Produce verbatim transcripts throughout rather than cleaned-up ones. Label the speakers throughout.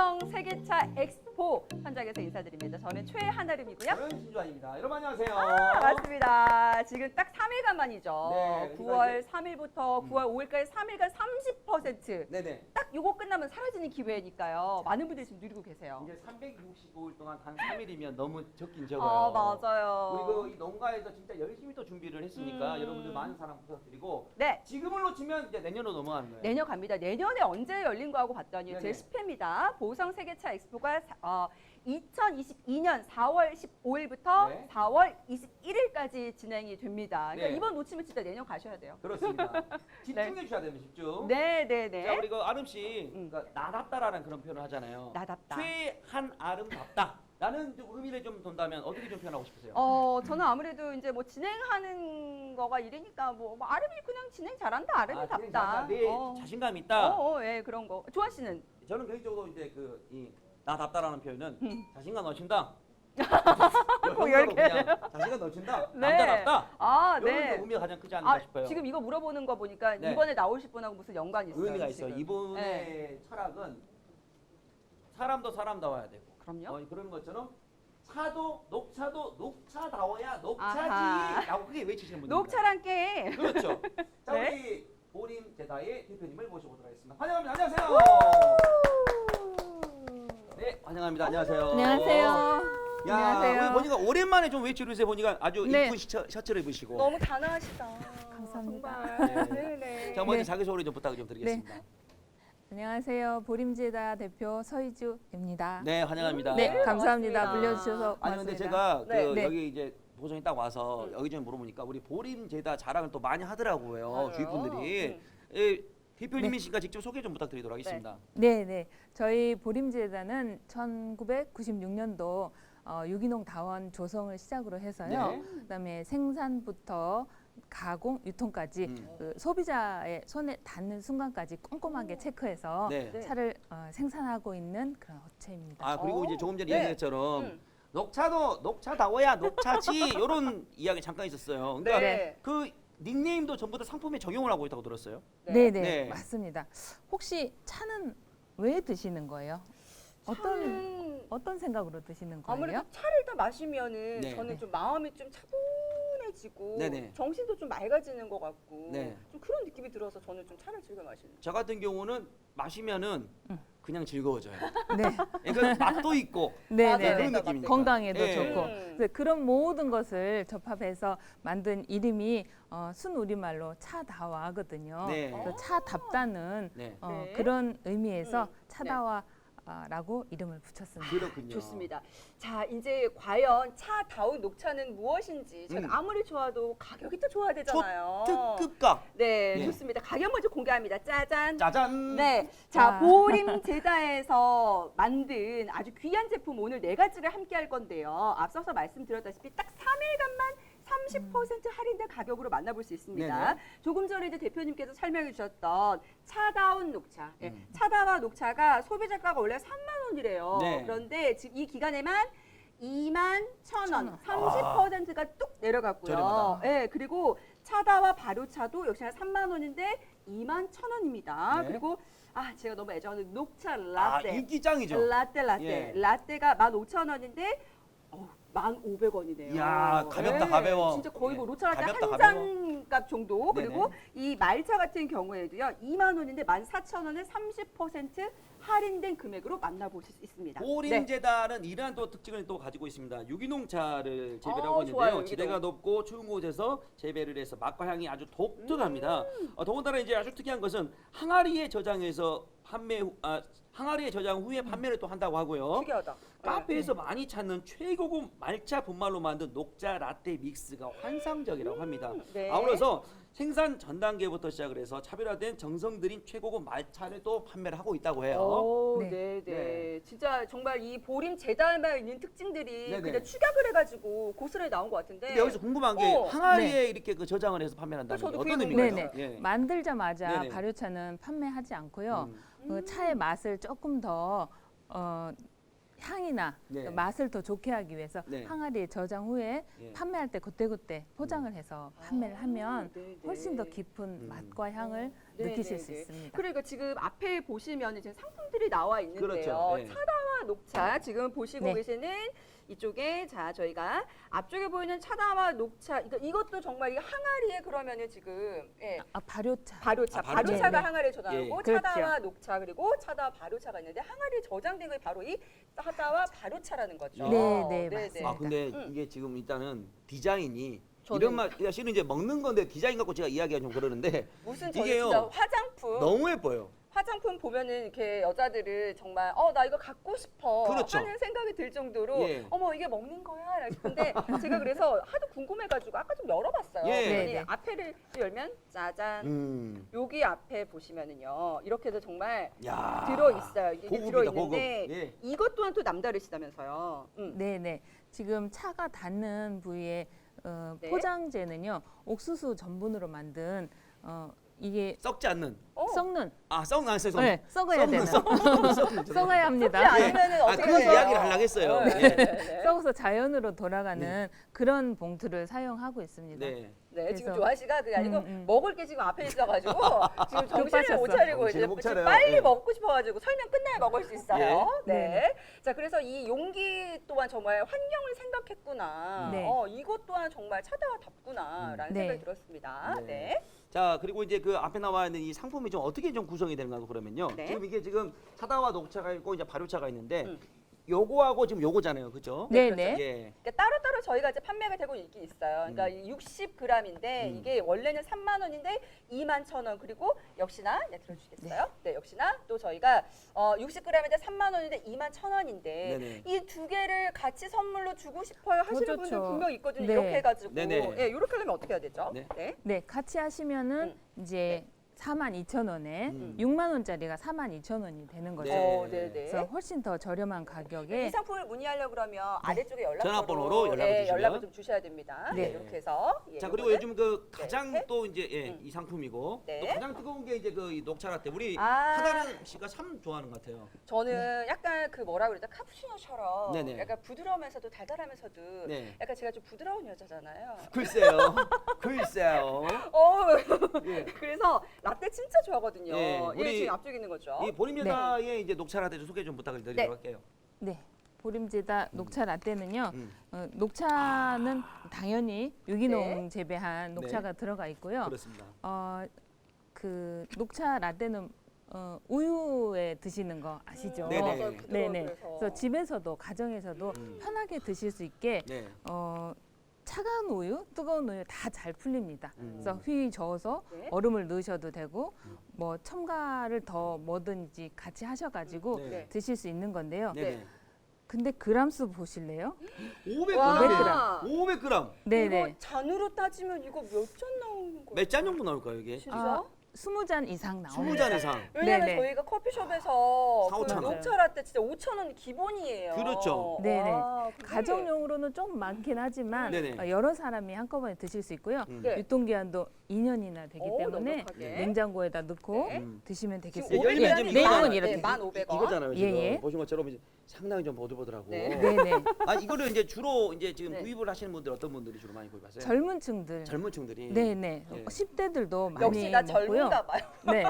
Speaker 1: 보성 세계차 엑스포 현장에서 인사드립니다. 저는 최한아름이고요.
Speaker 2: 저는 신주환입니다. 여러분 안녕하세요.
Speaker 1: 아, 맞습니다. 지금 딱 삼 일간 만이죠.
Speaker 2: 네,
Speaker 1: 구월 삼 일부터
Speaker 2: 음.
Speaker 1: 구월 오 일까지 삼 일간 삼십 퍼센트.
Speaker 2: 네네.
Speaker 1: 딱 요거 끝나면 사라지는 기회니까요. 많은 분들이 지금 누리고 계세요.
Speaker 2: 이제 삼백육십오 일 동안 단 삼 일이면 너무 적긴 적어요.
Speaker 1: 아, 맞아요.
Speaker 2: 그리고 이 농가에서 진짜 열심히 또 준비를 했으니까
Speaker 1: 음.
Speaker 2: 여러분들 많은 사랑 부탁드리고
Speaker 1: 네.
Speaker 2: 지금을 놓치면 이제 내년으로 넘어가는 거예요.
Speaker 1: 내년 갑니다. 내년에 언제 열린 거 하고 봤더니
Speaker 2: 네네.
Speaker 1: 제십 회입니다. 보성 세계차 엑스포가 사- 어, 이천이십이 년 사월 십오 일부터
Speaker 2: 네.
Speaker 1: 사월 이십일 일까지 진행이 됩니다. 그러니까
Speaker 2: 네.
Speaker 1: 이번 놓치면 진짜 내년 가셔야 돼요.
Speaker 2: 그렇습니다. 집중해 주셔야 됩니다. 집중.
Speaker 1: 네, 네, 네.
Speaker 2: 자, 우리 그 아름 씨,
Speaker 1: 음.
Speaker 2: 그러니까 나답다라는 그런 표현을 하잖아요.
Speaker 1: 나답다.
Speaker 2: 최한아름답다. 라는 좀 의미를 좀 둔다면 어떻게 좀 표현하고 싶으세요?
Speaker 1: 어, 저는 아무래도 이제 뭐 진행하는 거가 이러니까 뭐, 뭐 아름이 그냥 진행 잘한다, 아름이
Speaker 2: 아,
Speaker 1: 답다.
Speaker 2: 잘한다. 내
Speaker 1: 어.
Speaker 2: 자신감
Speaker 1: 어,
Speaker 2: 있다.
Speaker 1: 어, 예, 그런 거. 조한 씨는
Speaker 2: 저는 개인적으로 이제 그 이 나답다라는 표현은
Speaker 1: 음.
Speaker 2: 자신감 넘친다.
Speaker 1: 꼭
Speaker 2: 영어로
Speaker 1: 이렇게
Speaker 2: 그냥 자신감 넘친다.
Speaker 1: 네.
Speaker 2: 남자답다.
Speaker 1: 아,
Speaker 2: 이런
Speaker 1: 네.
Speaker 2: 의미가 가장 크지 않을까
Speaker 1: 아,
Speaker 2: 싶어요.
Speaker 1: 지금 이거 물어보는 거 보니까
Speaker 2: 네.
Speaker 1: 이번에 나오실 분하고 무슨 연관이 있어요?
Speaker 2: 의미가 있어요.
Speaker 1: 지금.
Speaker 2: 이분의
Speaker 1: 네.
Speaker 2: 철학은 사람도 사람다워야 되고
Speaker 1: 그럼요.
Speaker 2: 어, 그런 것처럼 차도 녹차도 녹차다워야
Speaker 1: 아하.
Speaker 2: 녹차지라고 크게 외치시는 분입니다.
Speaker 1: 녹차랑 깨.
Speaker 2: 그렇죠. 자,
Speaker 1: 네.
Speaker 2: 우리 보림 제다의 대표님을 모셔보도록 하겠습니다. 환영합니다. 안녕하세요. 네, 환영합니다. 안녕하세요.
Speaker 3: 안녕하세요.
Speaker 2: 야,
Speaker 3: 안녕하세요.
Speaker 2: 우리 보니까 오랜만에 좀 외출을 보니까 아주
Speaker 3: 네.
Speaker 2: 이쁜 셔, 셔츠를 입으시고.
Speaker 1: 너무 단아하시다.
Speaker 3: 감사합니다.
Speaker 1: 정말. 네, 네.
Speaker 2: 자, 먼저
Speaker 3: 네.
Speaker 2: 자기소개 좀 부탁을 좀 드리겠습니다.
Speaker 3: 안녕하세요. 보림제다 대표 서희주입니다.
Speaker 2: 네, 환영합니다.
Speaker 3: 네, 감사합니다.
Speaker 1: 반갑습니다.
Speaker 3: 불려주셔서
Speaker 2: 아니 근데
Speaker 3: 고맙습니다.
Speaker 2: 제가 그
Speaker 1: 네.
Speaker 3: 네.
Speaker 2: 여기 이제 보성에 딱 와서
Speaker 1: 음.
Speaker 2: 여기저기 물어보니까 우리 보림제다 자랑을 또 많이 하더라고요.
Speaker 1: 맞아요.
Speaker 2: 주위 분들이.
Speaker 1: 음.
Speaker 2: 예, 대표님이시니까 직접 소개 좀 부탁드리도록 하겠습니다.
Speaker 3: 네, 네. 저희 보림제다는 천구백구십육 년도 어, 유기농 다원 조성을 시작으로 해서요.
Speaker 2: 네.
Speaker 3: 그다음에 생산부터 가공, 유통까지
Speaker 2: 음.
Speaker 3: 그 소비자의 손에 닿는 순간까지 꼼꼼하게 체크해서
Speaker 2: 네.
Speaker 1: 네.
Speaker 3: 차를 어, 생산하고 있는 그런 업체입니다.
Speaker 2: 아 그리고
Speaker 1: 어.
Speaker 2: 이제 조금 전에
Speaker 1: 네.
Speaker 2: 이야기한 것처럼
Speaker 1: 음.
Speaker 2: 녹차도 녹차다워야 녹차지 이런 이야기 잠깐 있었어요. 그러니까
Speaker 1: 네.
Speaker 2: 그 닉네임도 전부 다 상품에 적용을 하고 있다고 들었어요.
Speaker 3: 네, 네,
Speaker 2: 네.
Speaker 3: 맞습니다. 혹시 차는 왜 드시는 거예요? 어떤
Speaker 1: 차는
Speaker 3: 어떤 생각으로 드시는 거예요?
Speaker 1: 아무래도 차를 더 마시면은
Speaker 2: 네.
Speaker 1: 저는 좀 마음이 좀 차분해지고
Speaker 2: 네네.
Speaker 1: 정신도 좀 맑아지는 것 같고
Speaker 2: 네.
Speaker 1: 좀 그런 느낌이 들어서 저는 좀 차를 즐겨 마시는.
Speaker 2: 저 같은 경우는 마시면은
Speaker 3: 음.
Speaker 2: 그냥 즐거워져요.
Speaker 3: 네,
Speaker 2: 그러니까 맛도 있고
Speaker 3: 네,
Speaker 1: 맞아요.
Speaker 3: 네, 네.
Speaker 2: 그런 느낌이니까.
Speaker 3: 건강에도
Speaker 2: 네.
Speaker 3: 좋고
Speaker 1: 음.
Speaker 3: 그래서 그런 모든 것을 접합해서 만든 이름이 어, 순우리말로 차다와거든요.
Speaker 2: 네.
Speaker 3: 그래서 차답다는
Speaker 2: 네.
Speaker 3: 어,
Speaker 1: 네.
Speaker 3: 그런 의미에서
Speaker 1: 음.
Speaker 3: 차다와라고 이름을 붙였습니다.
Speaker 2: 그렇군요.
Speaker 1: 좋습니다. 자, 이제 과연 차다운 녹차는 무엇인지 저는
Speaker 2: 음.
Speaker 1: 아무리 좋아도 가격이 또 좋아야 되잖아요.
Speaker 2: 특급가.
Speaker 1: 네,
Speaker 2: 네.
Speaker 1: 좋습니다. 가격 먼저 공개합니다. 짜잔.
Speaker 2: 짜잔.
Speaker 1: 네, 자
Speaker 3: 와.
Speaker 1: 보림 제다에서 만든 아주 귀한 제품 오늘 네 가지를 함께 할 건데요. 앞서서 말씀드렸다시피 딱 삼 일간만 삼십 퍼센트 할인된 가격으로 만나볼 수 있습니다.
Speaker 2: 네네.
Speaker 1: 조금 전에 이제 대표님께서 설명해 주셨던 차다운 녹차, 예,
Speaker 2: 음.
Speaker 1: 차다와 녹차가 소비자가가 원래 삼만 원이래요.
Speaker 2: 네.
Speaker 1: 그런데 지금 이 기간에만 이만 천 원,
Speaker 3: 천 원.
Speaker 1: 삼십 퍼센트가 뚝 내려갔고요.
Speaker 2: 저렴하다.
Speaker 1: 예, 그리고 차다와 발효차도 역시나 삼만 원인데 이만 천 원입니다.
Speaker 2: 네.
Speaker 1: 그리고 아 제가 너무 애정하는 녹차
Speaker 2: 아,
Speaker 1: 라떼,
Speaker 2: 인기짱이죠.
Speaker 1: 라떼 라떼,
Speaker 2: 예.
Speaker 1: 라떼가 만 오천 원인데 어, 만 오백 원이네요.
Speaker 2: 이야, 가볍다, 가벼워.
Speaker 1: 진짜 거의 뭐
Speaker 2: 예.
Speaker 1: 녹차 라떼
Speaker 2: 가볍다,
Speaker 1: 한
Speaker 2: 가벼워.
Speaker 1: 잔 값 정도.
Speaker 2: 네네.
Speaker 1: 그리고 이 말차 같은 경우에도요 이만 원인데 만 사천 원에 삼십 퍼센트 할인된 금액으로 만나보실 수 있습니다. 네.
Speaker 2: 보림제다는 이러한 또 특징을 또 가지고 있습니다. 유기농차를 재배를
Speaker 1: 어,
Speaker 2: 하고
Speaker 1: 좋아요,
Speaker 2: 있는데요.
Speaker 1: 유기농.
Speaker 2: 지대가 높고 추운 곳에서 재배를 해서 맛과 향이 아주 독특합니다.
Speaker 1: 음.
Speaker 2: 어, 더군다나 이제 아주 특이한 것은 항아리에 저장해서 판매 후, 아, 항아리에 저장 후에 판매를 또 한다고 하고요.
Speaker 1: 특이하다.
Speaker 2: 카페에서 많이 찾는 최고급 말차 분말로 만든 녹차 라떼 믹스가 환상적이라고 합니다.
Speaker 1: 네.
Speaker 2: 아울러서 생산 전 단계부터 시작을 해서 차별화된 정성 들인 최고급 말차를 또 판매를 하고 있다고 해요.
Speaker 1: 오,
Speaker 3: 네.
Speaker 1: 네, 네.
Speaker 2: 네.
Speaker 1: 진짜 정말 이 보림 제다에만 있는 특징들이
Speaker 2: 네네.
Speaker 1: 그냥 축약을 해가지고 고스란히 나온 것 같은데.
Speaker 2: 근데 여기서 궁금한 게
Speaker 1: 어,
Speaker 2: 항아리에 이렇게 그 저장을 해서 판매를 한다는 게
Speaker 1: 저도 그게
Speaker 2: 어떤
Speaker 1: 궁금해요.
Speaker 2: 의미인가요?
Speaker 3: 네네.
Speaker 2: 예.
Speaker 3: 만들자마자
Speaker 2: 네네.
Speaker 3: 발효차는 판매하지 않고요.
Speaker 2: 음.
Speaker 3: 그 차의 맛을 조금 더 어, 향이나
Speaker 2: 네.
Speaker 3: 그 맛을 더 좋게 하기 위해서
Speaker 2: 네.
Speaker 3: 항아리에 저장 후에
Speaker 2: 예.
Speaker 3: 판매할 때 그때그때 포장을 해서 판매를 하면
Speaker 1: 네, 네.
Speaker 3: 훨씬 더 깊은
Speaker 2: 음.
Speaker 3: 맛과 향을
Speaker 1: 네,
Speaker 3: 느끼실
Speaker 1: 네,
Speaker 3: 수
Speaker 1: 네.
Speaker 3: 있습니다.
Speaker 1: 그러니까 지금 앞에 보시면 지금 상품들이 나와 있는데요.
Speaker 2: 그렇죠. 네.
Speaker 1: 차다와 녹차 지금 보시고
Speaker 3: 네.
Speaker 1: 계시는 이쪽에 자 저희가 앞쪽에 보이는 차다와 녹차 이거 이것도 정말 이 항아리에 그러면은 지금 예.
Speaker 3: 아, 발효차.
Speaker 1: 발효차,
Speaker 2: 아, 발효차.
Speaker 1: 발효차가
Speaker 3: 네, 네.
Speaker 1: 항아리에 저장하고
Speaker 2: 예.
Speaker 1: 차다와
Speaker 3: 그렇죠.
Speaker 1: 녹차 그리고 차다와 발효차가 있는데 항아리에 저장된 게 바로 이 차다와 발효차라는 거죠.
Speaker 3: 네, 네, 맞습니다.
Speaker 2: 아 근데
Speaker 1: 음.
Speaker 2: 이게 지금 일단은 디자인이
Speaker 1: 저는-
Speaker 2: 이런 말 사실은 이제 먹는 건데 디자인 갖고 제가 이야기가 좀 그러는데
Speaker 1: 무슨 저는
Speaker 2: 이게요.
Speaker 1: 진짜 화장품
Speaker 2: 너무 예뻐요.
Speaker 1: 화장품 보면은 이렇게 여자들은 정말 어 나 이거 갖고 싶어
Speaker 2: 그렇죠.
Speaker 1: 하는 생각이 들 정도로
Speaker 2: 예.
Speaker 1: 어머 이게 먹는 거야 근데 제가 그래서 하도 궁금해가지고 아까 좀 열어봤어요.
Speaker 2: 예.
Speaker 1: 그랬더니
Speaker 3: 네네.
Speaker 1: 앞에를 열면 짜잔
Speaker 2: 음.
Speaker 1: 여기 앞에 보시면은요 이렇게도 정말
Speaker 2: 야.
Speaker 1: 들어 있어요. 이게
Speaker 2: 고급이다,
Speaker 1: 들어 있는데
Speaker 2: 고급. 예.
Speaker 1: 이것 또한 또 남다르시다면서요. 음.
Speaker 3: 네네. 지금 차가 닿는 부위에 어,
Speaker 1: 네.
Speaker 3: 포장재는요 옥수수 전분으로 만든 어, 이게
Speaker 2: 썩지 않는.
Speaker 1: 어.
Speaker 3: 썩는
Speaker 2: 아 썩는 안 써서.
Speaker 3: 네, 썩어야 되는
Speaker 2: 썩는.
Speaker 3: 썩어야 합니다.
Speaker 1: 썩지 않으면은
Speaker 2: 아,
Speaker 1: 어떻게
Speaker 2: 그
Speaker 1: 돼요?
Speaker 2: 이야기를 하려고 했어요.
Speaker 1: 어,
Speaker 2: 네.
Speaker 1: 네, 네, 네.
Speaker 3: 썩어서 자연으로 돌아가는 그런 봉투를 사용하고 있습니다.
Speaker 2: 네.
Speaker 1: 네, 지금
Speaker 3: 그래서-
Speaker 1: 조아 씨가 그게 아니고
Speaker 3: 음, 음.
Speaker 1: 먹을 게 지금 앞에 있어가지고 지금 정신을 못
Speaker 3: 급하셨어.
Speaker 1: 차리고 이제
Speaker 2: 정신을 못
Speaker 1: 지금
Speaker 2: 차려요.
Speaker 1: 빨리
Speaker 2: 예.
Speaker 1: 먹고 싶어가지고 설명 끝나야 먹을 수 있어요.
Speaker 3: 예.
Speaker 1: 네. 자, 그래서 이 용기 또한 정말 환경을 생각했구나.
Speaker 3: 네.
Speaker 1: 어, 이것 또한 정말 차다와답구나라는
Speaker 3: 음. 네.
Speaker 1: 생각이 들었습니다.
Speaker 2: 네.
Speaker 1: 네.
Speaker 2: 자 그리고 이제 그 앞에 나와 있는 이 상품이 좀 어떻게 좀 구성이 되는가 그러면요.
Speaker 1: 네.
Speaker 2: 지금 이게 지금 차다와 녹차가 있고 이제 발효차가 있는데
Speaker 1: 음.
Speaker 2: 요거하고 지금 요거잖아요, 그렇죠?
Speaker 3: 네네.
Speaker 2: 예.
Speaker 1: 그러니까 따로따로 저희가 이제 판매가 되고 있긴 있어요. 그러니까
Speaker 2: 음.
Speaker 1: 육십 그램인데
Speaker 2: 음.
Speaker 1: 이게 원래는 삼만 원인데 이만 천 원 그리고 역시나 네, 들어주시겠어요? 네. 역시나 또 저희가 어, 육십 그램인데 삼만 원인데 이만 천 원인데
Speaker 2: 네네.
Speaker 1: 이 두 개를 같이 선물로 주고 싶어요 하시는
Speaker 3: 더
Speaker 1: 분들
Speaker 3: 좋죠.
Speaker 1: 분명 있거든요.
Speaker 3: 네.
Speaker 1: 이렇게 해가지고
Speaker 2: 네네.
Speaker 1: 예, 이렇게 하려면 어떻게 해야 되죠?
Speaker 2: 네.
Speaker 1: 네.
Speaker 3: 네, 같이 하시면은 이제 사만 이천 원에
Speaker 2: 음.
Speaker 3: 육만 원짜리가 사만 이천 원이 되는 거죠.
Speaker 2: 네.
Speaker 1: 어, 네네.
Speaker 3: 그래서 훨씬 더 저렴한 가격에
Speaker 1: 이 상품을 문의하려고 그러면 아래쪽에 연락처로
Speaker 2: 전화번호로 연락을
Speaker 1: 예,
Speaker 2: 주시면.
Speaker 1: 연락을 좀 주셔야 됩니다. 네.
Speaker 3: 네.
Speaker 1: 이렇게 해서 예,
Speaker 2: 자 그리고
Speaker 1: 요거는-
Speaker 2: 요즘 그 가장
Speaker 1: 네.
Speaker 2: 또 이제 예,
Speaker 1: 음.
Speaker 2: 이 상품이고
Speaker 1: 네.
Speaker 2: 또 가장 뜨거운 게 이제 그이 녹차 라떼 우리
Speaker 1: 아.
Speaker 2: 하다른 씨가 참 좋아하는 것 같아요.
Speaker 1: 저는 약간 그 뭐라 그러죠 카푸치노처럼
Speaker 2: 네네.
Speaker 1: 약간 부드러우면서도 달달하면서도
Speaker 2: 네.
Speaker 1: 약간 제가 좀 부드러운 여자잖아요.
Speaker 2: 글쎄요, 글쎄요.
Speaker 1: 어
Speaker 2: 예.
Speaker 1: 그래서 라떼 진짜 좋아하거든요.
Speaker 2: 예,
Speaker 1: 예,
Speaker 2: 우리
Speaker 1: 지금 앞쪽에 있는 거죠.
Speaker 2: 이 보림여사의 이제 녹차 라떼 좀 소개 좀 부탁을 드리도록
Speaker 1: 네.
Speaker 2: 할게요.
Speaker 3: 네. 보림제다 녹차 라떼는요.
Speaker 2: 음.
Speaker 3: 어, 녹차는 당연히 유기농
Speaker 1: 네.
Speaker 3: 재배한 녹차가 들어가 있고요.
Speaker 2: 그렇습니다.
Speaker 3: 어, 그 녹차 라떼는 어, 우유에 드시는 거 아시죠?
Speaker 2: 네네.
Speaker 1: 맞아요. 부드러워요,
Speaker 3: 네네.
Speaker 1: 그래서.
Speaker 3: 그래서 집에서도 가정에서도
Speaker 2: 음.
Speaker 3: 편하게 드실 수 있게
Speaker 2: 네.
Speaker 3: 어, 차가운 우유, 뜨거운 우유 다 잘 풀립니다.
Speaker 2: 음.
Speaker 3: 그래서 휘 저어서
Speaker 1: 네.
Speaker 3: 얼음을 넣으셔도 되고 뭐 첨가를 더 뭐든지 같이 하셔가지고
Speaker 2: 네.
Speaker 1: 네.
Speaker 3: 드실 수 있는 건데요.
Speaker 2: 네네.
Speaker 3: 근데 그람수 보실래요?
Speaker 2: 오백
Speaker 1: 와.
Speaker 2: 그램. 오백 그램.
Speaker 3: 네네.
Speaker 1: 이거 잔으로 따지면 이거 몇 잔 나오는 거예요?
Speaker 2: 몇 잔 정도 나올까요 이게?
Speaker 1: 진짜?
Speaker 3: 아, 스무 잔 이상 나옵니다.
Speaker 2: 스무 잔 이상.
Speaker 1: 왜냐면
Speaker 3: 네네.
Speaker 1: 저희가 커피숍에서
Speaker 2: 사,
Speaker 1: 그
Speaker 2: 오천
Speaker 3: 원.
Speaker 1: 녹차 라떼 진짜 오천 원 기본이에요.
Speaker 2: 그렇죠.
Speaker 3: 네네.
Speaker 1: 와, 그게-
Speaker 3: 가정용으로는 좀 많긴 하지만
Speaker 2: 네네.
Speaker 3: 어, 여러 사람이 한꺼번에 드실 수 있고요.
Speaker 2: 음.
Speaker 1: 네.
Speaker 3: 유통기한도 이 년이나 되기
Speaker 1: 오,
Speaker 3: 때문에
Speaker 1: 넉넉하게.
Speaker 3: 냉장고에다 넣고
Speaker 1: 네.
Speaker 2: 음.
Speaker 3: 드시면
Speaker 1: 지금
Speaker 3: 되겠습니다.
Speaker 1: 오백
Speaker 2: 열면
Speaker 1: 그램이
Speaker 2: 지금
Speaker 3: 내용은
Speaker 2: 이거는
Speaker 3: 이렇게.
Speaker 1: 네, 만 오백 원.
Speaker 2: 이거잖아요 지금.
Speaker 3: 예, 예.
Speaker 2: 보신 것처럼 이제 상당히 좀 보들보들하고.
Speaker 1: 네.
Speaker 3: 네네.
Speaker 2: 아 이거를 이제 주로 이제 지금
Speaker 1: 네.
Speaker 2: 구입을 하시는 분들 어떤 분들이 주로 많이 구입하세요?
Speaker 3: 젊은 층들.
Speaker 2: 젊은 층들이.
Speaker 3: 네네.
Speaker 2: 예.
Speaker 3: 십 대들도 많이
Speaker 1: 역시 나
Speaker 3: 먹고요.
Speaker 1: 젊은가 봐요.
Speaker 3: 네.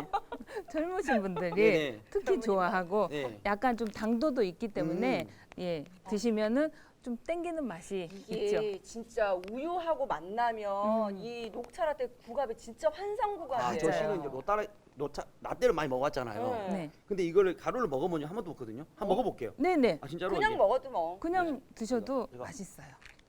Speaker 3: 젊으신 분들이
Speaker 2: 네네.
Speaker 3: 특히
Speaker 1: 젊은이다.
Speaker 3: 좋아하고
Speaker 2: 네.
Speaker 3: 약간 좀 당도도 있기 때문에
Speaker 2: 음.
Speaker 3: 예 드시면은 좀 땡기는 맛이 있죠.
Speaker 1: 이게 진짜 우유하고 만나면
Speaker 3: 음.
Speaker 1: 이 녹차 라떼 구갑이 진짜 환상구갑이에요.
Speaker 2: 아, 저
Speaker 3: 맞아요.
Speaker 2: 씨는 이제 노따라 노차 라떼를 많이 먹었잖아요.
Speaker 1: 네.
Speaker 3: 네.
Speaker 2: 근데 이거를 가루를 먹어본 적한 번도 없거든요. 한번
Speaker 1: 어?
Speaker 2: 먹어볼게요.
Speaker 3: 네네.
Speaker 2: 아 진짜로
Speaker 1: 그냥
Speaker 2: 이게.
Speaker 1: 먹어도 뭐.
Speaker 3: 그냥 드셔도
Speaker 2: 이거, 이거.
Speaker 3: 맛있어요.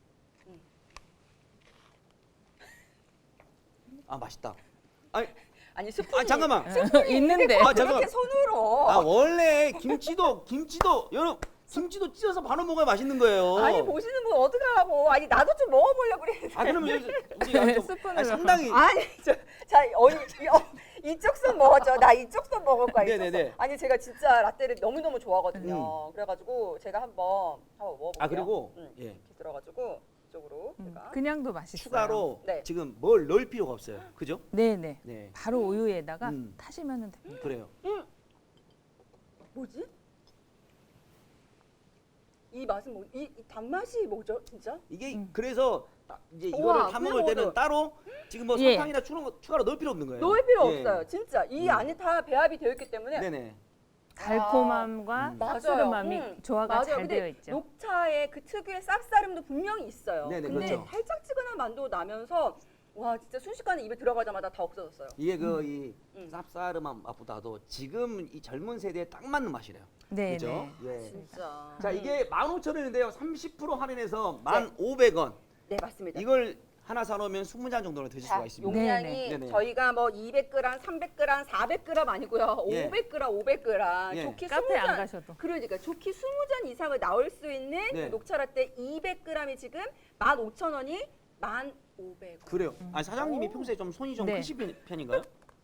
Speaker 2: 아 맛있다. 아니,
Speaker 1: 아니 스푼이
Speaker 2: 아 잠깐만.
Speaker 3: 있는데.
Speaker 2: 아
Speaker 1: 그렇게
Speaker 2: 잠깐만.
Speaker 1: 손으로.
Speaker 2: 아 원래 김치도 김치도 여러분 김치도 찢어서 바로 먹어야 맛있는 거예요.
Speaker 1: 아니 보시는 분 어떡하라고. 아니 나도 좀 먹어보려고 그랬는데.
Speaker 2: 아 그러면 여기 우리가 좀
Speaker 3: 스푼으로.
Speaker 2: 아니, 상당히
Speaker 1: 아니 저, 자 어, 이, 어, 이쪽 손 먹었죠. 나 이쪽 손 먹을 거야. 이쪽
Speaker 2: 네네네.
Speaker 1: 손. 아니 제가 진짜 라떼를 너무 너무 좋아하거든요. 그래가지고 제가 한번 한번 먹어볼게요.
Speaker 2: 아 그리고
Speaker 1: 응.
Speaker 2: 예.
Speaker 1: 이렇게 들어가지고 이쪽으로
Speaker 3: 음,
Speaker 1: 제가.
Speaker 3: 그냥도 맛있어요.
Speaker 2: 추가로
Speaker 1: 네.
Speaker 2: 지금 뭘 넣을 필요가 없어요. 그죠?
Speaker 3: 네네.
Speaker 2: 네.
Speaker 3: 바로 우유에다가
Speaker 2: 음.
Speaker 3: 타시면 됩니다.
Speaker 2: 그래요.
Speaker 1: 뭐지? 이 맛은 뭐, 이, 이 단맛이 뭐죠, 진짜?
Speaker 2: 이게
Speaker 3: 음.
Speaker 2: 그래서 딱 이제
Speaker 1: 우와,
Speaker 2: 이거를 타
Speaker 1: 그냥
Speaker 2: 먹을 때는
Speaker 1: 먹어도-
Speaker 2: 따로 지금 뭐
Speaker 3: 예.
Speaker 2: 설탕이나 추, 추가로 넣을 필요 없는 거예요.
Speaker 1: 넣을 필요
Speaker 2: 예.
Speaker 1: 없어요, 진짜. 이
Speaker 2: 음.
Speaker 1: 안에 다 배합이 되어 있기 때문에
Speaker 2: 네네.
Speaker 3: 달콤함과
Speaker 2: 음.
Speaker 3: 쌉싸름함이
Speaker 1: 맞아요. 음,
Speaker 3: 조화가
Speaker 1: 맞아요.
Speaker 3: 잘
Speaker 1: 근데
Speaker 3: 되어 있죠.
Speaker 1: 녹차의 그 특유의 쌉싸름도 분명히 있어요.
Speaker 2: 네네,
Speaker 1: 근데
Speaker 2: 그렇죠.
Speaker 1: 달짝지근한 맛도 나면서 와 진짜 순식간에 입에 들어가자마자 다 없어졌어요.
Speaker 2: 이게 그 이
Speaker 1: 음.
Speaker 2: 쌉싸름한 맛보다도 지금 이 젊은 세대에 딱 맞는 맛이래요.
Speaker 3: 네,
Speaker 2: 그죠?
Speaker 3: 네.
Speaker 2: 예.
Speaker 1: 진짜.
Speaker 2: 자
Speaker 1: 음.
Speaker 2: 이게 만 오천 원인데요. 삼십 퍼센트 할인해서 만 오백 원.
Speaker 1: 네 맞습니다.
Speaker 2: 이걸 하나 사놓으면 스무 잔 정도는 드실 수가
Speaker 1: 자,
Speaker 2: 있습니다.
Speaker 1: 용량이
Speaker 3: 네네.
Speaker 2: 네네.
Speaker 1: 저희가 뭐 이백 그램, 삼백 그램, 사백 그램 아니고요.
Speaker 2: 예.
Speaker 1: 오백 그램, 오백 그램.
Speaker 2: 예.
Speaker 1: 좋게
Speaker 3: 카페
Speaker 1: 스무
Speaker 3: 안
Speaker 1: 잔.
Speaker 3: 가셔도.
Speaker 1: 그러니까 좋게 스무 잔 이상을 나올 수 있는
Speaker 2: 네.
Speaker 1: 그 녹차라떼 이백 그램이 지금 만 오천 원이 만 오백 원.
Speaker 2: 그래요. 아 사장님이
Speaker 1: 오.
Speaker 2: 평소에 좀 손이 좀
Speaker 3: 네.
Speaker 2: 크신 편- 편인가요?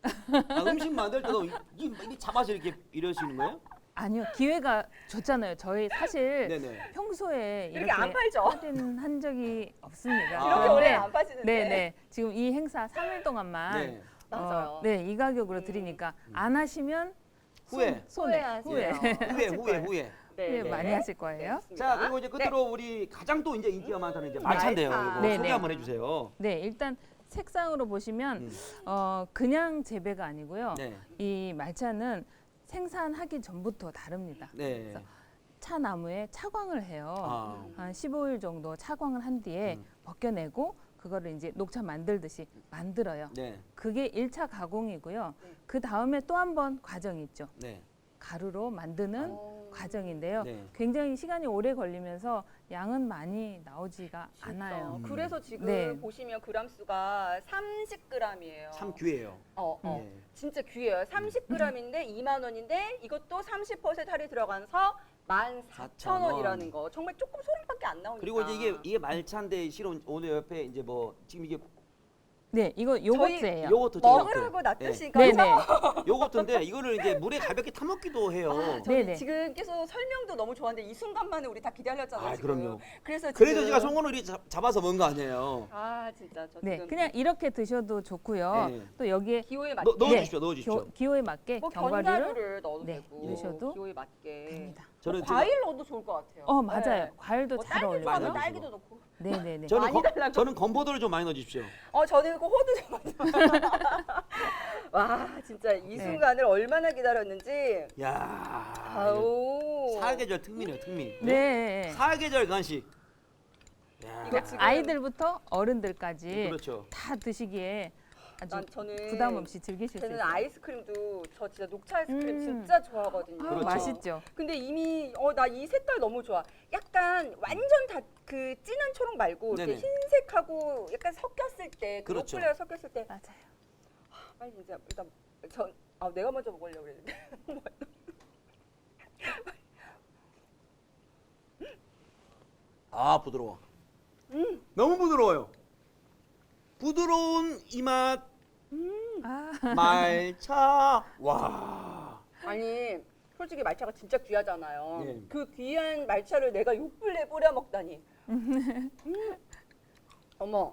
Speaker 2: 아, 음식 만들 때도 이, 이, 이 잡아서 이렇게 이러시는 거예요?
Speaker 3: 아니요, 기회가 줬잖아요. 저희 사실
Speaker 2: 네네.
Speaker 3: 평소에
Speaker 1: 이렇게
Speaker 3: 이렇게
Speaker 1: 안 팔죠?
Speaker 3: 할인한 적이 없습니다.
Speaker 2: 아.
Speaker 1: 이렇게
Speaker 2: 네.
Speaker 1: 오래 안 파시는데.
Speaker 3: 네네. 지금 이 행사 삼 일 동안만
Speaker 2: 네.
Speaker 1: 맞아요.
Speaker 3: 어, 네, 이 가격으로
Speaker 1: 음.
Speaker 3: 드리니까 안 하시면
Speaker 2: 후회.
Speaker 3: 손, 손해.
Speaker 1: 후회하세요.
Speaker 3: 후회.
Speaker 2: 후회
Speaker 3: 하실
Speaker 2: 후회
Speaker 3: 거예요.
Speaker 2: 후회.
Speaker 3: 후회
Speaker 1: 네.
Speaker 3: 많이 하실 거예요.
Speaker 1: 맞습니다.
Speaker 2: 자 그리고 이제 끝으로 우리 가장 또 이제 인기가 많다는 이제 말차인데요.
Speaker 1: 말차.
Speaker 2: 이거
Speaker 3: 네네.
Speaker 2: 소개 한번 해주세요.
Speaker 3: 네, 일단 색상으로 보시면
Speaker 2: 음.
Speaker 3: 어, 그냥 재배가 아니고요.
Speaker 2: 네.
Speaker 3: 이 말차는 생산하기 전부터 다릅니다.
Speaker 2: 네.
Speaker 3: 그래서 차나무에 차광을 해요.
Speaker 2: 아.
Speaker 3: 한 십오 일 정도 차광을 한 뒤에
Speaker 2: 음.
Speaker 3: 벗겨내고 그거를 이제 녹차 만들듯이 만들어요.
Speaker 2: 네.
Speaker 3: 그게 일 차 가공이고요.
Speaker 1: 네.
Speaker 3: 그 다음에 또 한 번 과정이 있죠.
Speaker 2: 네.
Speaker 3: 가루로 만드는
Speaker 1: 어.
Speaker 3: 과정인데요.
Speaker 2: 네.
Speaker 3: 굉장히 시간이 오래 걸리면서 양은 많이 나오지가 않아요.
Speaker 2: 음.
Speaker 1: 그래서 지금
Speaker 3: 네.
Speaker 1: 보시면 그램 수가 삼십 그램이에요.
Speaker 2: 참 귀해요.
Speaker 1: 어, 어.
Speaker 2: 네.
Speaker 1: 진짜 귀해요. 삼십 그램인데 이만 원인데 이것도 삼십 퍼센트 할인 들어가서 만 사천 원이라는 거. 정말 조금 소름밖에 안 나오니까.
Speaker 2: 그리고 이제 이게 이게 말차인데 실은 오늘 옆에 이제 뭐 지금 이게
Speaker 3: 네, 이거 요거트예요.
Speaker 2: 요거트
Speaker 1: 먹으라고 놔두시니까
Speaker 3: 네, 네.
Speaker 2: 요거트인데 이거를 이제 물에 가볍게 타먹기도 해요.
Speaker 1: 아, 저희
Speaker 3: 네네.
Speaker 1: 지금 계속 설명도 너무 좋았는데 이 순간만에 우리 다 기다렸잖아요.
Speaker 2: 아,
Speaker 1: 지금.
Speaker 2: 그럼요.
Speaker 1: 그래서
Speaker 2: 그래서
Speaker 1: 지금-
Speaker 2: 제가 송건을 이렇게 잡- 잡아서 먹은 거 아니에요.
Speaker 1: 아 진짜 저
Speaker 3: 네,
Speaker 1: 지금
Speaker 3: 그냥 이렇게 드셔도 좋고요.
Speaker 2: 네.
Speaker 3: 또 여기에
Speaker 1: 기호에 맞게
Speaker 2: 넣,
Speaker 3: 네.
Speaker 2: 넣어주십시오, 넣어주십시오.
Speaker 3: 교, 기호에 맞게
Speaker 1: 뭐
Speaker 3: 견과류를
Speaker 1: 견과류를 넣어도
Speaker 3: 네,
Speaker 1: 되고
Speaker 3: 넣으셔도
Speaker 1: 기호에 맞게
Speaker 3: 됩니다.
Speaker 2: 저는
Speaker 1: 뭐 과일 넣어도 좋을 것 같아요.
Speaker 3: 어, 맞아요.
Speaker 1: 네.
Speaker 3: 과일도
Speaker 1: 뭐
Speaker 3: 잘
Speaker 1: 딸기
Speaker 3: 어울려요.
Speaker 1: 좋아하면
Speaker 2: 많이
Speaker 1: 딸기도
Speaker 2: 넣어주시고.
Speaker 1: 넣고.
Speaker 3: 네, 네, 네.
Speaker 2: 저는
Speaker 1: 많이
Speaker 2: 건-
Speaker 1: 달라고.
Speaker 2: 저는 건포도를 좀 많이 넣어주십시오.
Speaker 1: 어 저는 그 호두 좀 와 진짜 이
Speaker 3: 네.
Speaker 1: 순간을 얼마나 기다렸는지.
Speaker 2: 야,
Speaker 1: 아우.
Speaker 2: 사계절 특민이에요, 특민.
Speaker 3: 네.
Speaker 2: 사계절 간식. 야,
Speaker 1: 이거 지금-
Speaker 3: 아이들부터 어른들까지
Speaker 2: 그렇죠.
Speaker 3: 다 드시기에 아주
Speaker 1: 난 저는
Speaker 3: 부담 없이 즐기실 수
Speaker 1: 저는
Speaker 3: 있어요.
Speaker 1: 아이스크림도 저 진짜 녹차 아이스크림
Speaker 3: 음.
Speaker 1: 진짜 좋아하거든요.
Speaker 3: 아,
Speaker 2: 그렇죠.
Speaker 3: 맛있죠.
Speaker 1: 근데 이미 어 나 이 색깔 너무 좋아. 약간 완전 다 그 진한 초록 말고 이렇게
Speaker 2: 네네.
Speaker 1: 흰색하고 약간 섞였을 때, 그
Speaker 2: 그렇죠.
Speaker 1: 로플레어 섞였을 때,
Speaker 3: 맞아요.
Speaker 1: 빨리 진짜 일단 전 아 내가 먼저 먹으려고 그랬는데.
Speaker 2: 아 부드러워.
Speaker 1: 음.
Speaker 2: 너무 부드러워요. 부드러운 이 맛
Speaker 3: 아,
Speaker 2: 말차. 와.
Speaker 1: 아니 솔직히 말차가 진짜 귀하잖아요.
Speaker 2: 네.
Speaker 1: 그 귀한 말차를 내가 욕불내 뿌려 먹다니. 음. 어머.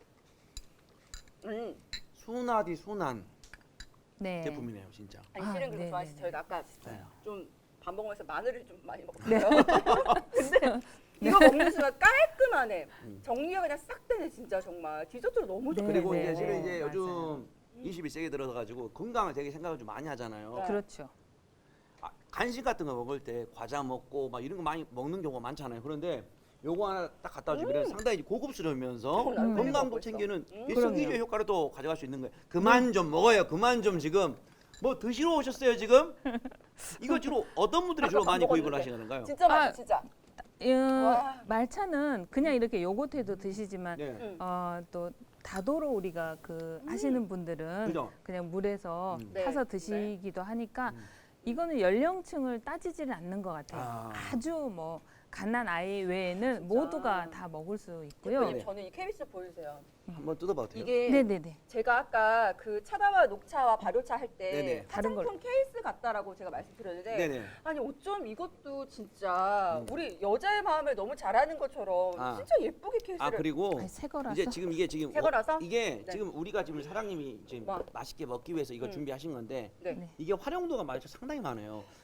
Speaker 1: 음.
Speaker 2: 순하디 순한
Speaker 3: 네.
Speaker 2: 제품이네요, 진짜.
Speaker 1: 아니
Speaker 3: 아,
Speaker 1: 실은 그렇게
Speaker 3: 네네네.
Speaker 1: 좋아하시 저희가 아까
Speaker 2: 네.
Speaker 1: 좀 밥 먹으면서 마늘을 좀 많이
Speaker 3: 네.
Speaker 1: 먹었어요. 근데 이거 먹는 순간 깔끔하네.
Speaker 2: 음.
Speaker 1: 정리가 그냥 싹 되네 진짜 정말. 디저트로 너무
Speaker 3: 네,
Speaker 1: 좋고.
Speaker 2: 그리고
Speaker 3: 네,
Speaker 2: 이제 실은
Speaker 3: 네,
Speaker 2: 이제
Speaker 3: 맞아요.
Speaker 2: 요즘 이십일 세기 들어서 가지고 건강을 되게 생각을 좀 많이 하잖아요.
Speaker 1: 네.
Speaker 3: 그렇죠.
Speaker 2: 아, 간식 같은 거 먹을 때 과자 먹고 막 이런 거 많이 먹는 경우가 많잖아요. 그런데 요거 하나 딱 갖다 주면 상당히 고급스러우면서
Speaker 1: 음.
Speaker 2: 건강도
Speaker 1: 먹고 있어.
Speaker 2: 챙기는
Speaker 1: 음.
Speaker 2: 일석이조
Speaker 3: 그럼요.
Speaker 2: 효과를 또 가져갈 수 있는 거예요. 그만 좀 먹어요. 그만 좀 지금 뭐 드시러 오셨어요 지금? 이거 주로 어떤 분들이 주로
Speaker 1: 아까
Speaker 2: 많이
Speaker 1: 밥
Speaker 2: 구입을
Speaker 1: 먹었는데.
Speaker 2: 하시는가요?
Speaker 1: 진짜 맛있어
Speaker 3: 아,
Speaker 1: 진짜.
Speaker 3: 음,
Speaker 1: 와.
Speaker 3: 말차는 그냥 이렇게 요거트에도 드시지만
Speaker 2: 네.
Speaker 1: 음.
Speaker 3: 어, 또 다도로 우리가 그 하시는 분들은
Speaker 2: 그죠?
Speaker 3: 그냥 물에서
Speaker 2: 음.
Speaker 1: 네,
Speaker 3: 타서 드시기도 하니까
Speaker 2: 음.
Speaker 3: 이거는 연령층을 따지지를 않는 것 같아요.
Speaker 2: 아.
Speaker 3: 아주 뭐 갓난 아이 외에는
Speaker 1: 진짜.
Speaker 3: 모두가 다 먹을 수 있고요.
Speaker 1: 대표님
Speaker 2: 네.
Speaker 1: 저는 이 케이스 보여주세요.
Speaker 2: 한번 뜯어봐도 돼요?
Speaker 1: 이게
Speaker 3: 네네네.
Speaker 1: 제가 아까 그 차다와 녹차와 발효차 할 때
Speaker 2: 네네.
Speaker 3: 다른
Speaker 1: 화장품 케이스 같다라고 제가 말씀드렸는데
Speaker 2: 네네.
Speaker 1: 아니 어쩜 이것도 진짜
Speaker 2: 음.
Speaker 1: 우리 여자의 마음을 너무 잘하는 것처럼
Speaker 2: 아.
Speaker 1: 진짜 예쁘게 케이스를
Speaker 2: 아 그리고
Speaker 3: 아니, 새 거라서.
Speaker 2: 이제 지금 이게 지금
Speaker 1: 새 거라서?
Speaker 2: 이게
Speaker 1: 네.
Speaker 2: 지금 우리가 지금 사장님이 지금
Speaker 1: 와.
Speaker 2: 맛있게 먹기 위해서 이거
Speaker 1: 음.
Speaker 2: 준비하신 건데
Speaker 1: 네.
Speaker 3: 네.
Speaker 2: 이게 활용도가 말이죠 상당히 많아요.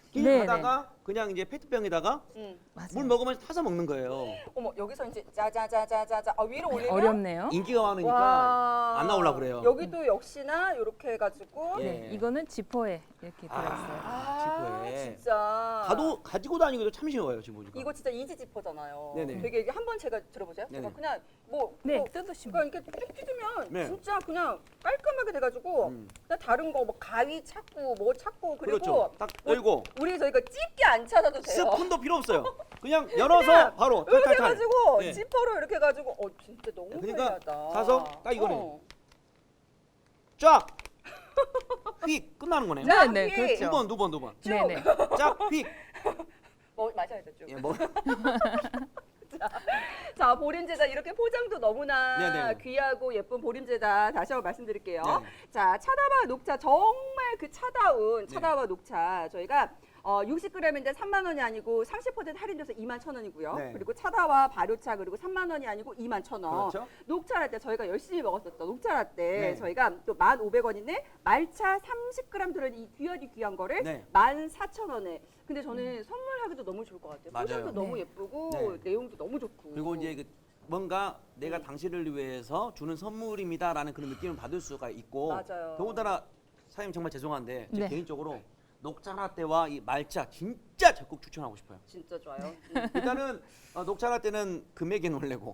Speaker 2: 길
Speaker 3: 네,
Speaker 2: 가다가 그냥 이제 페트병에다가
Speaker 1: 음.
Speaker 3: 맞아요.
Speaker 2: 물 먹으면서 타서 먹는 거예요.
Speaker 1: 어머 여기서 이제 짜자자자자자 아, 위로 올리면
Speaker 3: 어렵네요.
Speaker 2: 인기가 많으니까
Speaker 1: 와.
Speaker 2: 안 나오려고 그래요.
Speaker 1: 여기도 역시나 이렇게 해가지고
Speaker 2: 예.
Speaker 3: 네, 이거는 지퍼에 이렇게 들어있어요.
Speaker 1: 아
Speaker 2: 지퍼에.
Speaker 1: 진짜
Speaker 2: 가도 가지고 다니기도 참 쉬워요 지금 보니까.
Speaker 1: 이거 진짜 이지 지퍼잖아요.
Speaker 2: 네네.
Speaker 1: 되게 이게 한번 제가 들어보세요.
Speaker 2: 네네.
Speaker 1: 제가 그냥 뭐
Speaker 3: 네,
Speaker 1: 뭐
Speaker 3: 뜯으시면.
Speaker 1: 그러니까 이렇게 쭉 뜯으면
Speaker 2: 네.
Speaker 1: 진짜 그냥 깔끔하게 돼가지고
Speaker 2: 음.
Speaker 1: 그냥 다른 거 뭐 가위 찾고 뭐 찾고 그리고
Speaker 2: 그렇죠. 딱 열고
Speaker 1: 우리 저희가 집게 안 찾아도 돼요.
Speaker 2: 스푼도 필요 없어요. 그냥 열어서
Speaker 1: 그냥
Speaker 2: 바로
Speaker 1: 이렇게
Speaker 2: 탈탈탈.
Speaker 1: 해가지고
Speaker 2: 네.
Speaker 1: 지퍼로 이렇게 해가지고 어 진짜 너무
Speaker 2: 그러니까
Speaker 1: 편리하다.
Speaker 2: 사서 딱 이거네.
Speaker 1: 어.
Speaker 2: 쫙. 휙 끝나는 거네요.
Speaker 1: 자,
Speaker 3: 네, 네,
Speaker 1: 휙.
Speaker 3: 그렇죠.
Speaker 2: 두 번, 두 번, 두 번.
Speaker 1: 쭉.
Speaker 3: 네, 네.
Speaker 2: 쫙 휙.
Speaker 1: 뭐 마셔야 되죠.
Speaker 2: 예, 뭐
Speaker 1: 자 보림제다 이렇게 포장도 너무나
Speaker 2: 네네.
Speaker 1: 귀하고 예쁜 보림제다 다시 한번 말씀드릴게요.
Speaker 2: 네.
Speaker 1: 자 차다와 녹차 정말 그 차다운
Speaker 2: 네.
Speaker 1: 차다와 녹차 저희가 어, 육십 그램인데 삼만 원이 아니고 삼십 퍼센트 할인돼서 이만 천 원이고요.
Speaker 2: 네.
Speaker 1: 그리고 차다와 발효차 그리고 삼만 원이 아니고 이만 천 원.
Speaker 2: 그렇죠.
Speaker 1: 녹차 라떼 저희가 열심히 먹었었던 녹차 라떼
Speaker 2: 네.
Speaker 1: 저희가 또 만 오백 원인데 말차 삼십 그램 들어있는 이 귀하디 귀한 거를
Speaker 2: 네.
Speaker 1: 만 사천 원에. 근데 저는 선물하기도 너무 좋을 것 같아요.
Speaker 2: 맞아요.
Speaker 1: 포장도 너무
Speaker 3: 네.
Speaker 1: 예쁘고
Speaker 2: 네.
Speaker 1: 내용도 너무 좋고.
Speaker 2: 그리고 이제 그 뭔가 내가
Speaker 1: 음.
Speaker 2: 당신을 위해서 주는 선물입니다라는 그런 느낌을 받을 수가 있고
Speaker 1: 맞아요.
Speaker 2: 더군다나 사장님 정말 죄송한데 제
Speaker 3: 네.
Speaker 2: 개인적으로 녹차 라떼와 이 말차 진짜 적극 추천하고 싶어요.
Speaker 1: 진짜 좋아요. 음.
Speaker 2: 일단은 어, 녹차 라떼는 금액에 놀래고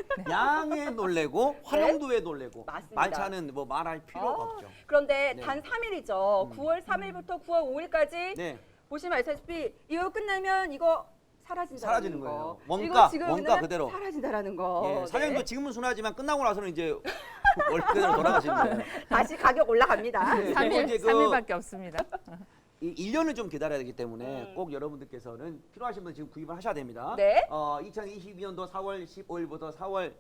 Speaker 2: 양에 놀래고 활용도에 놀래고
Speaker 1: 네. 맞습니다.
Speaker 2: 말차는 뭐 말할 필요가
Speaker 1: 아,
Speaker 2: 없죠.
Speaker 1: 그런데
Speaker 2: 네.
Speaker 1: 단 삼 일이죠.
Speaker 2: 음.
Speaker 1: 구월 삼 일부터 구월 오 일까지
Speaker 2: 네,
Speaker 1: 보시면 알다시피 이거 끝나면 이거 사라진다는
Speaker 2: 사라지는
Speaker 1: 거.
Speaker 2: 거예요.
Speaker 1: 이거
Speaker 2: 원가,
Speaker 1: 지금
Speaker 2: 원가
Speaker 1: 그냥
Speaker 2: 그대로.
Speaker 1: 사라진다라는 거.
Speaker 2: 예, 사장님도
Speaker 1: 네.
Speaker 2: 지금은 순하지만 끝나고 나서는 이제 원래 그대로 돌아가시는 거예요.
Speaker 1: 다시 가격 올라갑니다.
Speaker 2: 네.
Speaker 3: 삼
Speaker 2: 그리고
Speaker 3: 일,
Speaker 2: 이제 그-
Speaker 3: 삼 일밖에 없습니다.
Speaker 2: 이 일 년을 좀 기다려야 되기 때문에
Speaker 1: 음.
Speaker 2: 꼭 여러분들께서는 필요하신 분 지금 구입을 하셔야 됩니다.
Speaker 1: 네.
Speaker 2: 어, 이천이십이 년도 사월 십오일부터 사월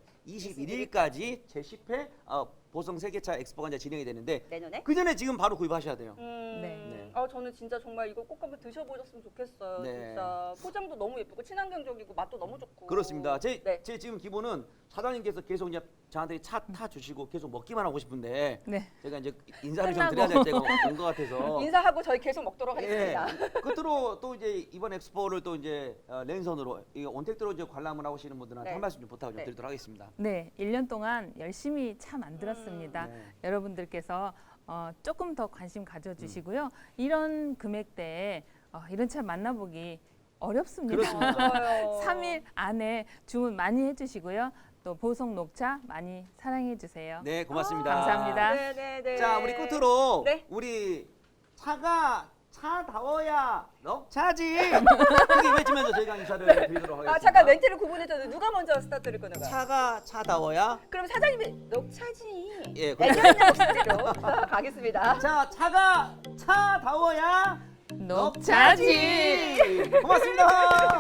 Speaker 2: 이십일일까지 제십 회 어, 보성 세계차 엑스포가 이제 진행이 되는데
Speaker 1: 내년에.
Speaker 2: 그 전에 지금 바로 구입하셔야 돼요.
Speaker 1: 음,
Speaker 3: 네.
Speaker 2: 네.
Speaker 1: 아 저는 진짜 정말 이거 꼭 한번 드셔보셨으면 좋겠어요.
Speaker 2: 네.
Speaker 1: 진짜 포장도 너무 예쁘고 친환경적이고 맛도 너무 좋고.
Speaker 2: 그렇습니다. 제,
Speaker 1: 네.
Speaker 2: 제 지금 기본은 사장님께서 계속 이제 저한테 차 타 주시고 계속 먹기만 하고 싶은데
Speaker 3: 네.
Speaker 2: 제가 이제 인사를 좀
Speaker 3: 끝나고.
Speaker 2: 드려야 될 때가 온 것 같아서
Speaker 1: 인사하고 저희 계속 먹도록
Speaker 2: 예.
Speaker 1: 하겠습니다.
Speaker 2: 끝으로 또 이제 이번 엑스포를 또 이제 어, 랜선으로 이 온택트로 이제 관람을 하시는 분들한테
Speaker 1: 네.
Speaker 2: 한 말씀 좀 부탁을 좀
Speaker 1: 네.
Speaker 2: 드리도록 하겠습니다.
Speaker 3: 네, 일 년 동안 열심히 차 만들었습니다.
Speaker 2: 네.
Speaker 3: 여러분들께서 어, 조금 더 관심 가져주시고요. 이런 금액대에 어, 이런 차 만나보기 어렵습니다.
Speaker 2: 그렇습니다.
Speaker 1: 맞아요.
Speaker 3: 삼 일 안에 주문 많이 해주시고요. 또 보성 녹차 많이 사랑해 주세요.
Speaker 2: 네, 고맙습니다.
Speaker 3: 감사합니다.
Speaker 1: 네네네.
Speaker 2: 자, 우리 끝으로
Speaker 1: 네.
Speaker 2: 우리 차가 차다워야 녹차지. 크게 외치면서 저희가 인사를 드리도록 하겠습니다.
Speaker 1: 아 잠깐 멘트를 구분해줘도 누가 먼저 스타트를 끊어가요?
Speaker 2: 차가 차다워야.
Speaker 1: 그럼 사장님이 녹차지.
Speaker 2: 예,
Speaker 1: 애견 목소리로 가겠습니다.
Speaker 2: 자, 차가 차다워야
Speaker 3: 녹차지.
Speaker 2: 고맙습니다.